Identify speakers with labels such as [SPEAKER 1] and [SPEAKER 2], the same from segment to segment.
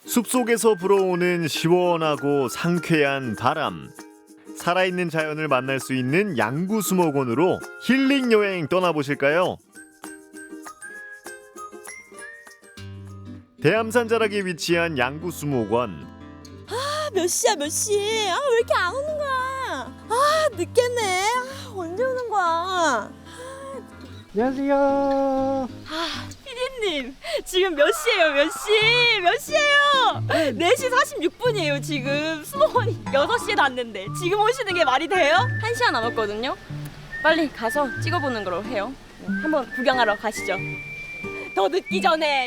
[SPEAKER 1] 숲속에서 불어오는 시원하고 상쾌한 바람. 살아있는 자연을 만날 수 있는 양구수목원으로 힐링 여행 떠나보실까요? 대암산 자락에 위치한 양구수목원.
[SPEAKER 2] 몇 시야 몇 시? 왜 이렇게 안 오는 거야? 늦겠네. 언제 오는 거야?
[SPEAKER 3] 안녕하세요.
[SPEAKER 2] 피디님 지금 몇 시예요 몇 시? 몇 시예요? 4시 46분이에요 지금. 수목원이 6시에 닫는데 지금 오시는 게 말이 돼요? 1시간 남았거든요. 빨리 가서 찍어보는 걸로 해요. 한번 구경하러 가시죠. 더 늦기 전에.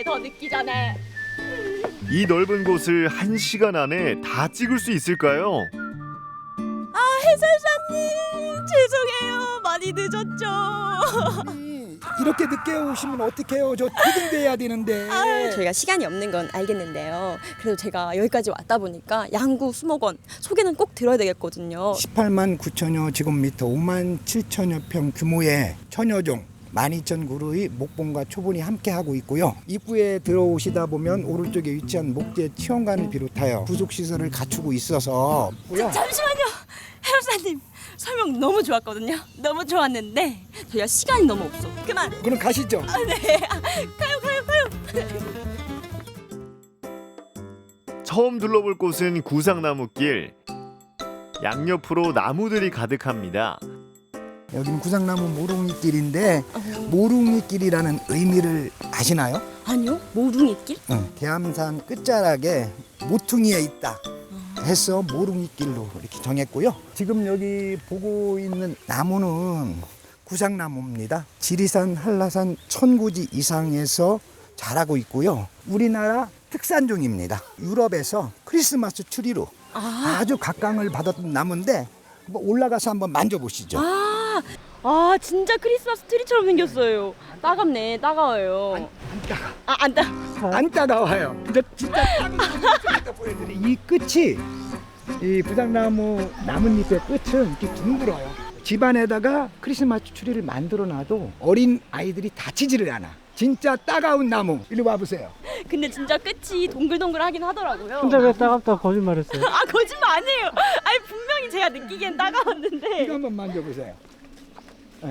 [SPEAKER 1] 이 넓은 곳을 1시간 안에 다 찍을 수 있을까요?
[SPEAKER 2] 해설사님 죄송해요. 많이 늦었죠.
[SPEAKER 3] 이렇게 늦게 오시면 어떡해요? 저 퇴근돼야 되는데.
[SPEAKER 2] 저희가 시간이 없는 건 알겠는데요. 그래도 제가 여기까지 왔다 보니까 양구 수목원 소개는 꼭 들어야 되겠거든요.
[SPEAKER 3] 18만 9천여 제곱미터, 5만 7천여 평 규모의 천여종 12,000그루의 목봉과 초본이 함께하고 있고요. 입구에 들어오시다 보면 오른쪽에 위치한 목재 체험관을 비롯하여 부속시설을 갖추고 있어서
[SPEAKER 2] 잠시만요. 해설사님 설명 너무 좋았거든요. 너무 좋았는데 저희가 시간이 너무 없어. 그만.
[SPEAKER 3] 그럼 가시죠.
[SPEAKER 2] 네. 가요.
[SPEAKER 1] 처음 둘러볼 곳은 구상나무길. 양옆으로 나무들이 가득합니다.
[SPEAKER 3] 여기는 구상나무 모퉁이길인데 모퉁이길이라는 의미를 아시나요?
[SPEAKER 2] 아니요. 모퉁이길?
[SPEAKER 3] 대암산 끝자락에 모퉁이에 있다 해서 모퉁이길로 이렇게 정했고요. 지금 여기 보고 있는 나무는 구상나무입니다. 지리산, 한라산 1000고지 이상에서 자라고 있고요. 우리나라 특산종입니다. 유럽에서 크리스마스 추리로 아주 각광을 받았던 나무인데 올라가서 한번 만져보시죠.
[SPEAKER 2] 진짜 크리스마스 트리처럼 생겼어요. 따갑네. 따가워요.
[SPEAKER 3] 안 따가. 안 따가워요. 근데 진짜 따가워요. 보여드릴게요. 이 끝이 이 부당나무 나뭇잎의 끝은 이렇게 둥글어요. 집안에다가 크리스마스 트리를 만들어놔도 어린 아이들이 다치지를 않아. 진짜 따가운 나무. 이리 와보세요.
[SPEAKER 2] 근데 진짜 끝이 동글동글하긴 하더라고요.
[SPEAKER 4] 근데 왜 따갑다 거짓말했어요?
[SPEAKER 2] 거짓말 아니에요. 분명히 제가 느끼기엔 따가웠는데.
[SPEAKER 3] 이거 한번 만져보세요. 네.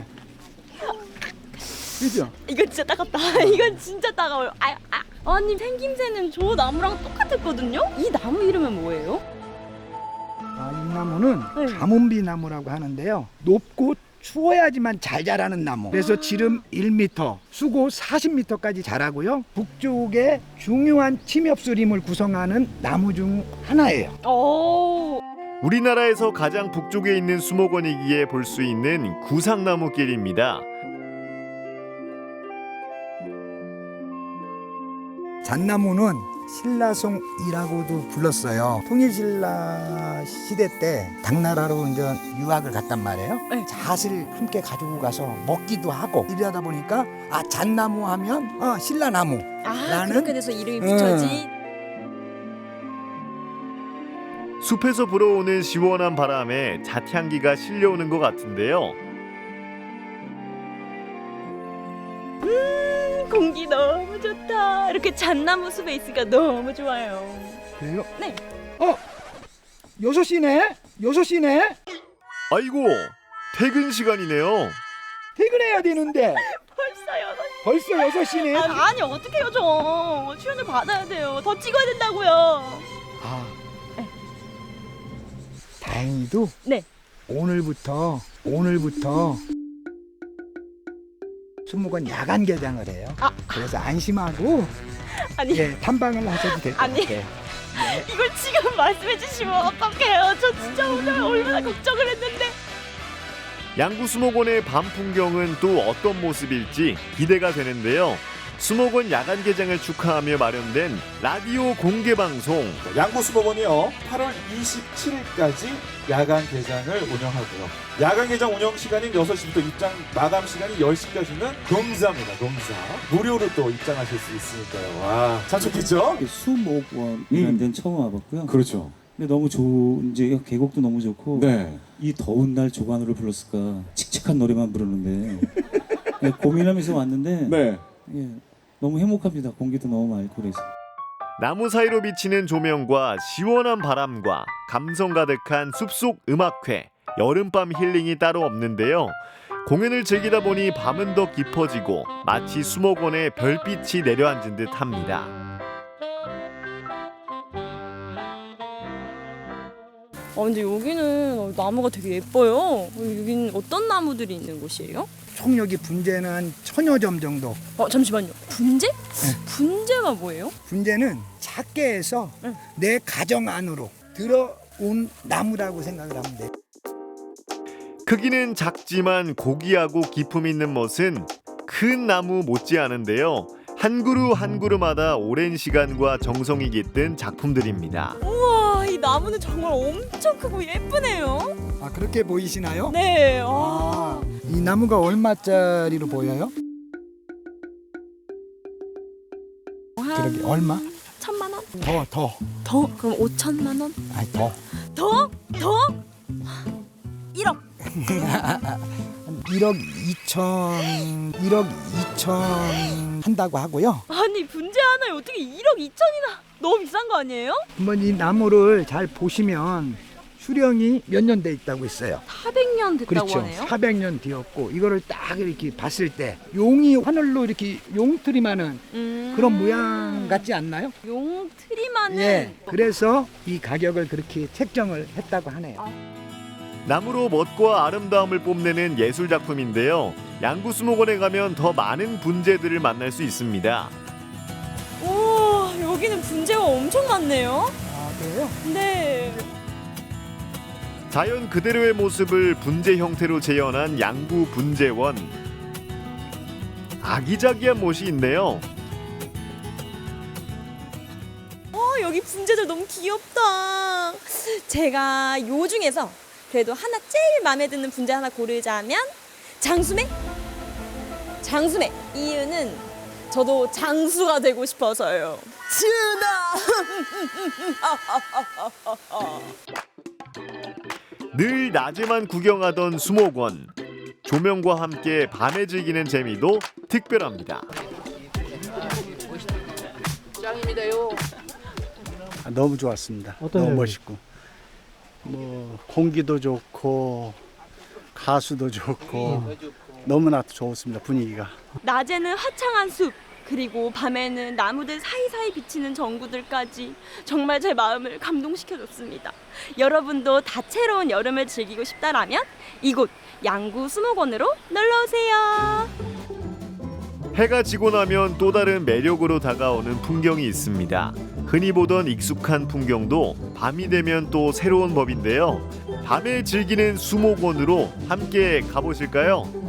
[SPEAKER 3] 그죠?
[SPEAKER 2] 이건 진짜 따갑다. 이건 진짜 따가워요. 아니 생김새는 저 나무랑 똑같았거든요. 이 나무 이름은 뭐예요?
[SPEAKER 3] 이 나무는
[SPEAKER 2] 네.
[SPEAKER 3] 가문비 나무라고 하는데요. 높고 추워야지만 잘 자라는 나무. 그래서 지름 1m, 수고 40m까지 자라고요. 북쪽의 중요한 침엽수림을 구성하는 나무 중 하나예요.
[SPEAKER 2] 오.
[SPEAKER 1] 우리나라에서 가장 북쪽에 있는 수목원이기에 볼 수 있는 구상나무길입니다.
[SPEAKER 3] 잣나무는 신라송이라고도 불렀어요. 통일신라 시대 때 당나라로 이제 유학을 갔단 말이에요.
[SPEAKER 2] 네.
[SPEAKER 3] 잣을 함께 가지고 가서 먹기도 하고 이러다 보니까 잣나무 하면 신라나무. 나는
[SPEAKER 2] 그렇게 돼서 이름이 붙여지.
[SPEAKER 1] 숲에서 불어오는 시원한 바람에 잣향기가 실려오는 것 같은데요.
[SPEAKER 2] 공기 너무 좋다. 이렇게 잣나무 숲에 있으니까 너무 좋아요.
[SPEAKER 3] 그래요?
[SPEAKER 2] 네.
[SPEAKER 3] 6시네? 6시네?
[SPEAKER 1] 아이고, 퇴근 시간이네요.
[SPEAKER 3] 퇴근해야 되는데
[SPEAKER 2] 벌써요.
[SPEAKER 3] 벌써 6시네?
[SPEAKER 2] 아니 어떡해요 저. 출연을 받아야 돼요. 더 찍어야 된다고요.
[SPEAKER 3] 다행히도
[SPEAKER 2] 네.
[SPEAKER 3] 오늘부터 수목원 야간 개장을 해요. 그래서 안심하고
[SPEAKER 2] 아니
[SPEAKER 3] 탐방을 하셔도 될 것
[SPEAKER 2] 아니.
[SPEAKER 3] 같아요.
[SPEAKER 2] 이걸 지금 말씀해 주시면 어떡해요. 저 진짜 오늘 얼마나 걱정을 했는데.
[SPEAKER 1] 양구수목원의 밤 풍경은 또 어떤 모습일지 기대가 되는데요. 수목원 야간 개장을 축하하며 마련된 라디오 공개 방송.
[SPEAKER 5] 양구수목원이요 8월 27일까지 야간 개장을 운영하고요. 야간 개장 운영 시간인 6시부터 입장 마감 시간이 10시까지는 경사입니다. 경사. 무료로 또 입장하실 수 있으니까요. 와, 참 좋겠죠?
[SPEAKER 6] 수목원이라는 데는 처음 와봤고요.
[SPEAKER 5] 그렇죠.
[SPEAKER 6] 근데 너무 좋은지 계곡도 너무 좋고
[SPEAKER 5] 네.
[SPEAKER 6] 이 더운 날 조관우를 불렀을까 칙칙한 노래만 부르는데 고민하면서 왔는데
[SPEAKER 5] 네.
[SPEAKER 6] 너무 행복합니다. 공기도 너무 맑고 그래서.
[SPEAKER 1] 나무 사이로 비치는 조명과 시원한 바람과 감성 가득한 숲속 음악회, 여름밤 힐링이 따로 없는데요. 공연을 즐기다 보니 밤은 더 깊어지고 마치 수목원에 별빛이 내려앉은 듯합니다.
[SPEAKER 2] 근데 여기는 나무가 되게 예뻐요. 여기는 어떤 나무들이 있는 곳이에요?
[SPEAKER 3] 총 여기 분재는 1000여 점 정도.
[SPEAKER 2] 잠시만요. 분재? 분재가 뭐예요?
[SPEAKER 3] 분재는 작게 해서 내 가정 안으로 들어온 나무라고 생각을 하면 돼요.
[SPEAKER 1] 크기는 작지만 고귀하고 기품 있는 멋은 큰 나무 못지않은데요. 한 그루 한 그루마다 오랜 시간과 정성이 깃든 작품들입니다.
[SPEAKER 2] 우와, 이 나무는 정말 엄청 크고 예쁘네요.
[SPEAKER 3] 아, 그렇게 보이시나요?
[SPEAKER 2] 네.
[SPEAKER 3] 아, 이 나무가 얼마짜리로 보여요? 그러게 얼마?
[SPEAKER 2] 1000만 원?
[SPEAKER 3] 더.
[SPEAKER 2] 더? 그럼 5천만 원?
[SPEAKER 3] 아니 더.
[SPEAKER 2] 더? 1억.
[SPEAKER 3] 1억 2천 한다고 하고요.
[SPEAKER 2] 아니, 분재 하나에 어떻게 1억 2천이나? 너무 비싼 거 아니에요?
[SPEAKER 3] 한번 이 나무를 잘 보시면 수령이 몇 년 돼 있다고 있어요.
[SPEAKER 2] 400년 됐다고
[SPEAKER 3] 그렇죠.
[SPEAKER 2] 하네요.
[SPEAKER 3] 400년 뒤였고 이거를 딱 이렇게 봤을 때 용이 하늘로 이렇게 용트리마는 그런 모양 같지 않나요?
[SPEAKER 2] 용트리만은
[SPEAKER 3] 예. 그래서 이 가격을 그렇게 책정을 했다고 하네요.
[SPEAKER 1] 나무로 멋과 아름다움을 뽐내는 예술 작품인데요. 양구수목원에 가면 더 많은 분재들을 만날 수 있습니다.
[SPEAKER 2] 오, 여기는 분재가 엄청 많네요.
[SPEAKER 3] 아, 그래요?
[SPEAKER 2] 네.
[SPEAKER 1] 자연 그대로의 모습을 분재 형태로 재현한 양구 분재원. 아기자기한 못이 있네요.
[SPEAKER 2] 여기 분재들 너무 귀엽다. 제가 요 중에서 그래도 하나 제일 마음에 드는 분재 하나 고르자면 장수매? 장수매. 이유는 저도 장수가 되고 싶어서요.
[SPEAKER 1] 늘 낮에만 구경하던 수목원. 조명과 함께 밤에 즐기는 재미도 특별합니다.
[SPEAKER 4] 너무 좋았습니다. 너무 멋있고 뭐 공기도 좋고 가수도 좋고 너무나 좋습니다. 분위기가.
[SPEAKER 2] 낮에는 화창한 숲, 그리고 밤에는 나무들 사이사이 비치는 전구들까지 정말 제 마음을 감동시켜줬습니다. 여러분도 다채로운 여름을 즐기고 싶다라면 이곳 양구 수목원으로 놀러오세요.
[SPEAKER 1] 해가 지고 나면 또 다른 매력으로 다가오는 풍경이 있습니다. 흔히 보던 익숙한 풍경도 밤이 되면 또 새로운 법인데요. 밤에 즐기는 수목원으로 함께 가보실까요?